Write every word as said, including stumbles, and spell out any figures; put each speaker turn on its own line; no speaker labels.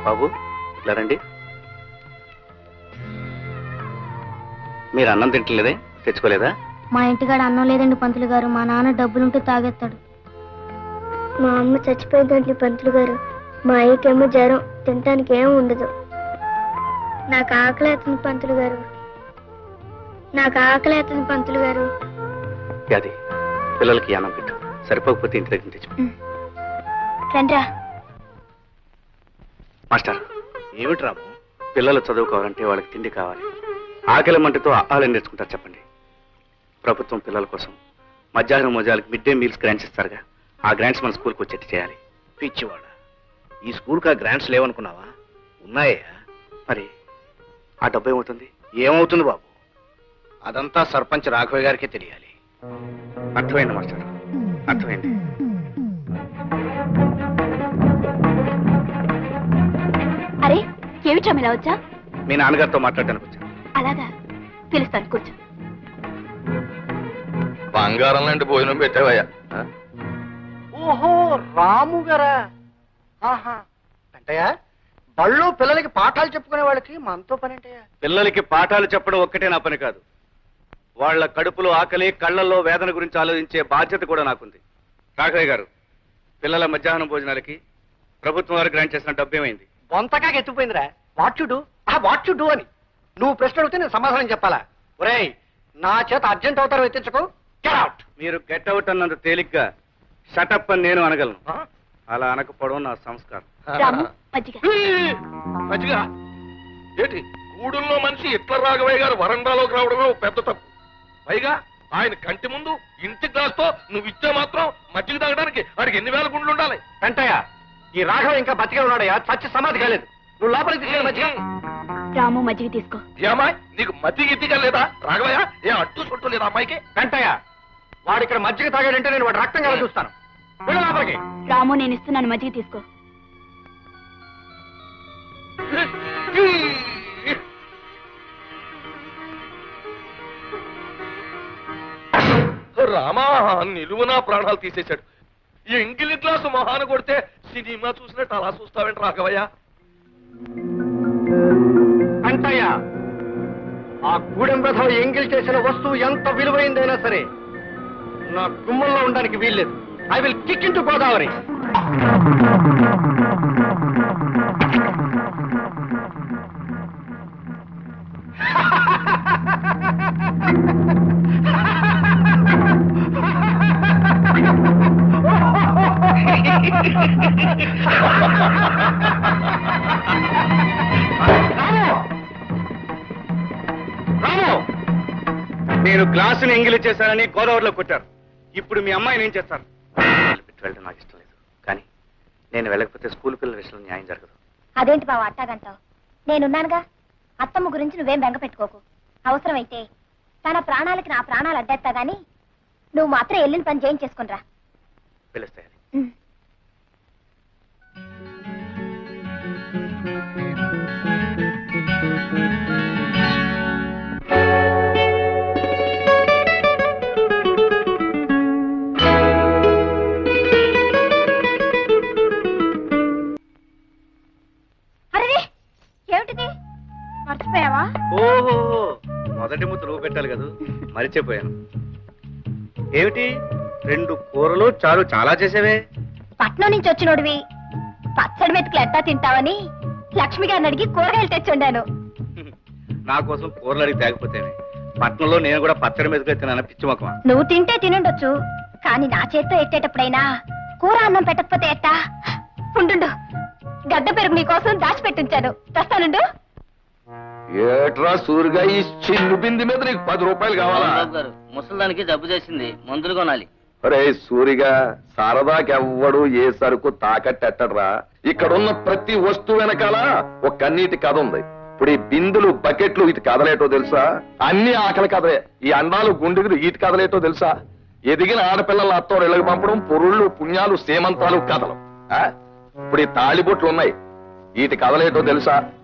బాబు ఇలా రండి. మీరు అన్నం తింటలేదే, తెచ్చుకోలేదా?
మా ఇంటికాడ అన్నం లేదండి పంతులు గారు. మా నాన్న డబ్బులుంటే తాగేస్తాడు. మా అమ్మ చచ్చిపోయిందండి పంతులు గారు. మా అయ్యకేమో జ్వరం, తినటానికి ఏం ఉండదు. నాకు ఆకలి అవుతుంది పంతులు గారు. నాకు ఆకలి అవుతుంది పంతులు గారు.
అది పిల్లలకి అన్నం పెట్టు, సరిపోకపోతే ఇంటి దగ్గర తెచ్చు.
రండ్రా.
మాస్టర్, ఏమిటి రాము? పిల్లలు చదువుకోవాలంటే వాళ్ళకి తిండి కావాలి. ఆకలి మంటతో ఆహారం నేర్చుకుంటారు చెప్పండి. ప్రభుత్వం పిల్లల కోసం మధ్యాహ్నం మోజాలకు మిడ్ డే మీల్స్ గ్రాంట్స్ ఇస్తారుగా, ఆ గ్రాంట్స్ మన స్కూల్కి వచ్చేట్టు చేయాలి.
పిచ్చివాడ, ఈ స్కూల్కి ఆ గ్రాంట్స్ లేవనుకున్నావా? ఉన్నాయా?
మరి ఆ డబ్బు ఏమవుతుంది?
ఏమవుతుంది బాబు, అదంతా సర్పంచ్ రాఘవయ్య గారికి తెలియాలి.
అర్థమైంది మాస్టర్, అర్థమైంది.
అరే ఏమిటా ఇలా వచ్చా?
మీ నాన్నగారితో మాట్లాడడానికి వచ్చాను.
అలాగా, పిలుస్తాను, కూర్చో.
బంగారం లాంటి భోజనం పెట్టావయ్యా.
ఓహో, రాము గారా? ఆహా, అంటయ్యా బళ్ళు పిల్లలకి పాఠాలు చెప్పుకునే వాళ్ళకి మనతో పని అంటయ్యా.
పిల్లలకి పాఠాలు చెప్పడం ఒక్కటే నా పని కాదు, వాళ్ళ కడుపులో ఆకలి, కళ్ళల్లో వేదన గురించి ఆలోచించే బాధ్యత కూడా నాకుంది. రాఘవయ్య గారు, పిల్లల మధ్యాహ్నం భోజనాలకి ప్రభుత్వం వారు గ్రాంట్ చేసిన డబ్బు ఏమైంది?
బొంతకాకి ఎత్తుపోయిందిరా. వాట్ యు డూ, ఆ వాట్ యు డూ అని నువ్వు ప్రశ్న అడిగితే నేను సమాధానం చెప్పాలా? ఒరేయ్, నా చేత అర్జెంట్ అవుతారో ఎత్తించకు. Get out.
మీరు గెట్ అవుట్ అన్నంత తేలిగ్గా షటప్ అని నేను అనగలను. అలా అనకపోవడం నా సంస్కారం.
మంచిగా ఏంటి, గూడుల్లో మనిషి ఇట్ల రాఘవయ్య గారు వరండాలోకి రావడమే పెద్ద తప్పు. పైగా ఆయన కంటి ముందు ఇంటి గ్లాస్తో నువ్వు ఇచ్చే మాత్రం మజ్జిగ తాగడానికి వాడికి ఎన్ని వేల గుండ్లు ఉండాలి?
వెంటయ్య, ఈ రాఘవ ఇంకా బతికే ఉన్నాడయ్యా, చచ్చి సమాధి కాలేదు. నువ్వు లోపలికి తీసుకెళ్ళి మజ్జిగ.
రాము మజ్జిగ తీసుకో.
ఏమాయ్, నీకు మజ్జిగ ఇద్దిగా లేదా రాఘవయ్య? ఏ అడ్డు చుట్టూ లేదా అమ్మాయికి?
వెంటయ్య, వాడు ఇక్కడ మజ్జిగ తాగాడంటే నేను వాడు రక్తం కదా చూస్తాను. వెళ్ళు లోపలికి.
రాము, నేను ఇస్తున్నాను, మజ్జిగ తీసుకో.
రామా, నిలువునా ప్రాణాలు తీసేశాడు. ఈ ఎంగిలి గ్లాసు మొహాన కొడితే సినిమా చూసినట్టు అలా చూస్తావేంటి రాఘవయ్య?
అంటయ్య, ఆ గూడెం రథం ఎంగిల్ చేసిన వస్తువు ఎంత విలువైందైనా సరే నా గుమ్మంలో ఉండడానికి వీల్లేదు. I will kick in to Godavari.
నేను గ్లాసుని ఎంగిలి చేశానని గోదావరిలో కొట్టారు. ఇప్పుడు మీ అమ్మాయిని ఏం చేస్తారు? పెట్టి వెళ్ళడం నాకు ఇష్టం లేదు, కానీ నేను వెళ్ళకపోతే స్కూల్ పిల్లల విషయంలో న్యాయం జరగదు.
అదేంటి బావ అట్టాగంటావు? నేనున్నానుగా. అత్తమ్మ గురించి నువ్వేం బెంగ పెట్టుకోకు. అవసరమైతే తన ప్రాణాలకి నా ప్రాణాలు అడ్డేస్తా గాని నువ్వు మాత్రం వెళ్ళిన పని చేయించేసుకునిరా.
పిలుస్తాయని
మర్చిపోయావా?
ఓహో, మొదటి ముద్ద నువ్వు పెట్టాలి కదా, మరిచిపోయాను. ఏమిటి, రెండు కూరలు చారు చాలా చేసేవే?
పట్నం నుంచి వచ్చినోడివి పచ్చడి మెతుకులు ఎట్టా తింటావని లక్ష్మి గారిని అడిగి కూరగాయలు తెచ్చుండాను.
నా కోసం కూరలు అడిగి తేకపోతేనే. పట్నంలో నేను కూడా పచ్చడి మెతుకులు తిన్నాను, పిచ్చి మొక్కమా.
నువ్వు తింటే తినుండొచ్చు, కానీ నా చేత్తో ఎట్టేటప్పుడైనా కూర అన్నం పెట్టకపోతే ఎట్టా? ఉండు, గడ్డ పెరుగు నీకోసం దాచిపెట్టించాను, తెస్తానుండు.
ఏట్రా సూరిగా, ఈ చిన్ను బింది మీద నీకు పది రూపాయలు కావాలా?
ముసలానికి జబ్బు చేసింది, మందులు కొనాలి.
అరే సూరిగా, సరదాకెవ్వడు ఏ సరుకు తాకట్టెట్టడ్రా. ఇక్కడున్న ప్రతి వస్తువు వెనకాల ఒక కన్నీటి కథ ఉంది. ఇప్పుడు ఈ బిందులు, బకెట్లు ఇటు కదలేటో తెలుసా? అన్ని ఆకలి కథలే. ఈ అండాలు, గుండెలు ఇటు కదలేటో తెలుసా? ఎదిగిన ఆడపిల్లల అత్తోడు ఇళ్ళకి పంపడం, పొరుళ్ళు, పుణ్యాలు, సేమంతాలు కథలు. ఇప్పుడు ఈ తాళిబొట్లు ఉన్నాయి, వీటి కదలేటో తెలుసా?